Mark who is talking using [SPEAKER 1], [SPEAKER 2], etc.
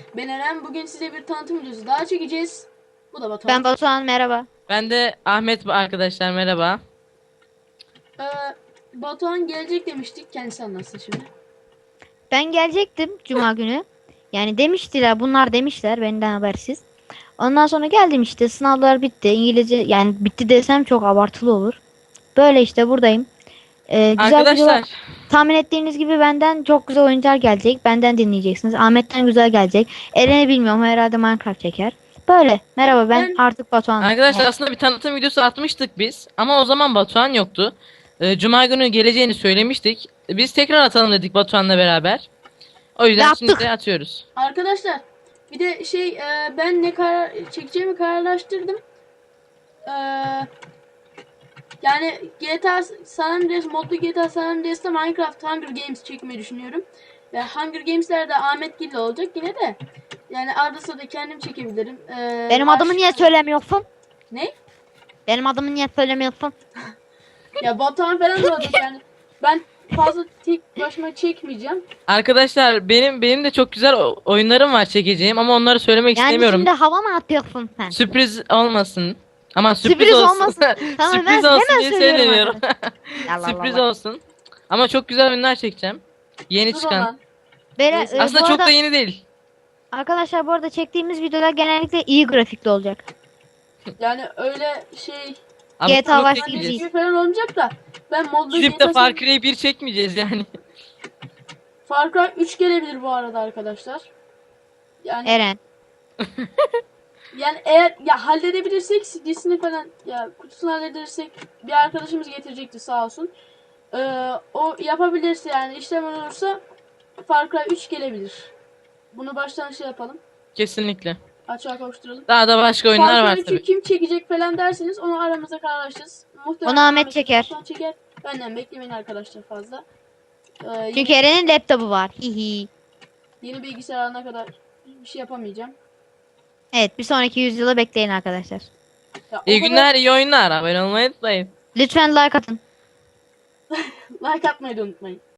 [SPEAKER 1] Ben Eren. Bugün size bir tanıtım videosu daha çekeceğiz. Bu da Batuhan.
[SPEAKER 2] Ben Batuhan, merhaba.
[SPEAKER 3] Ben de Ahmet arkadaşlar merhaba.
[SPEAKER 1] Ee, Batuhan gelecek demiştik. Kendisi anlatsın şimdi.
[SPEAKER 2] Ben gelecektim cuma günü. Yani demiştiler, bunlar demişler benden habersiz. Ondan sonra geldim işte, sınavlar bitti. İngilizce yani bitti desem çok abartılı olur. Böyle işte buradayım. Güzel videolar.
[SPEAKER 3] Arkadaşlar
[SPEAKER 2] Tahmin ettiğiniz gibi benden çok güzel oyuncular gelecek. Benden dinleyeceksiniz. Ahmet'ten güzel gelecek. Eren'i bilmiyorum, herhalde Minecraft çeker. Böyle. Merhaba, ben
[SPEAKER 1] Ben
[SPEAKER 2] artık Batuhan'ım.
[SPEAKER 3] arkadaşlar aslında bir tanıtım videosu atmıştık biz ama o zaman Batuhan yoktu. Cuma günü geleceğini söylemiştik. Biz tekrar atalım dedik Batuhan'la beraber. O yüzden şimdi
[SPEAKER 2] Yaptık.
[SPEAKER 3] de atıyoruz.
[SPEAKER 1] arkadaşlar bir de ben ne karar çekeceğimi kararlaştırdım. Ee, Yani GTA San Andreas modlu GTA San Andreas'ta Minecraft Hunger Games çekmeyi düşünüyorum. Ve Hunger Games'lerde Ahmet Gil'le olacak yine de. Yani arada sırada kendim çekebilirim.
[SPEAKER 2] Benim adımı niye söylemiyorsun?
[SPEAKER 1] Ne?
[SPEAKER 2] Benim adımı niye söylemiyorsun?
[SPEAKER 1] Ya Batuhan falan da olacak yani. Ben fazla tek başıma çekmeyeceğim.
[SPEAKER 3] Arkadaşlar benim de çok güzel oyunlarım var çekeceğim ama onları söylemek
[SPEAKER 2] Yani
[SPEAKER 3] istemiyorum.
[SPEAKER 2] şimdi hava mı atıyorsun sen?
[SPEAKER 3] Sürpriz olmasın. Ama sürpriz
[SPEAKER 2] Sürpriz
[SPEAKER 3] olsun.
[SPEAKER 2] olmasın. Tamam,
[SPEAKER 3] Sürpriz
[SPEAKER 2] hemen
[SPEAKER 3] olsun diye
[SPEAKER 2] söylüyorum
[SPEAKER 3] söylemiyorum.
[SPEAKER 2] Allah
[SPEAKER 3] Sürpriz
[SPEAKER 2] Allah.
[SPEAKER 3] olsun. Ama çok güzel oyunlar çekeceğim. Yeni
[SPEAKER 1] Dur
[SPEAKER 3] çıkan.
[SPEAKER 1] ona. Neyse.
[SPEAKER 3] Aslında
[SPEAKER 2] Bu
[SPEAKER 3] çok
[SPEAKER 2] arada,
[SPEAKER 3] da yeni değil.
[SPEAKER 2] arkadaşlar bu arada çektiğimiz videolar genellikle iyi grafikli olacak.
[SPEAKER 1] Yani öyle şey
[SPEAKER 3] Ama
[SPEAKER 2] GTA
[SPEAKER 3] çok
[SPEAKER 2] Vice
[SPEAKER 3] çekmeyeceğiz.
[SPEAKER 2] City.
[SPEAKER 1] gibi falan olmayacak da ben modlu
[SPEAKER 3] Gidip de
[SPEAKER 1] GTA
[SPEAKER 3] Far Cry 1 çekmeyeceğiz yani.
[SPEAKER 1] Far Cry 3 gelebilir bu arada arkadaşlar. Yani
[SPEAKER 2] Eren.
[SPEAKER 1] yani eğer ya halledebilirsek CD'sini falan ya kutusunu halledersek bir arkadaşımız getirecekti sağ olsun. O yapabilirse yani işlem olursa Far Cry 3 gelebilir. Bunu baştan şey yapalım.
[SPEAKER 3] Kesinlikle.
[SPEAKER 1] Açığa kavuşturalım.
[SPEAKER 3] Daha da başka oyunlar
[SPEAKER 1] Far
[SPEAKER 3] var
[SPEAKER 1] Cry 3'ü
[SPEAKER 3] tabii.
[SPEAKER 1] kim çekecek falan derseniz onu aramızda kararlaşacağız. Muhtemelen
[SPEAKER 2] Onu Ahmet çeker.
[SPEAKER 1] Batuhan çeker. Benden beklemeyin arkadaşlar fazla.
[SPEAKER 2] Çünkü Eren'in laptopu var. Hihi.
[SPEAKER 1] Yeni bilgisayar alana kadar bir şey yapamayacağım.
[SPEAKER 2] Evet, bir sonraki yüzyıla bekleyin arkadaşlar.
[SPEAKER 1] Ya,
[SPEAKER 3] İyi günler, iyi oyunlar. Abone olmayı unutmayın.
[SPEAKER 2] Lütfen like atın.
[SPEAKER 1] Like atmayı da unutmayın.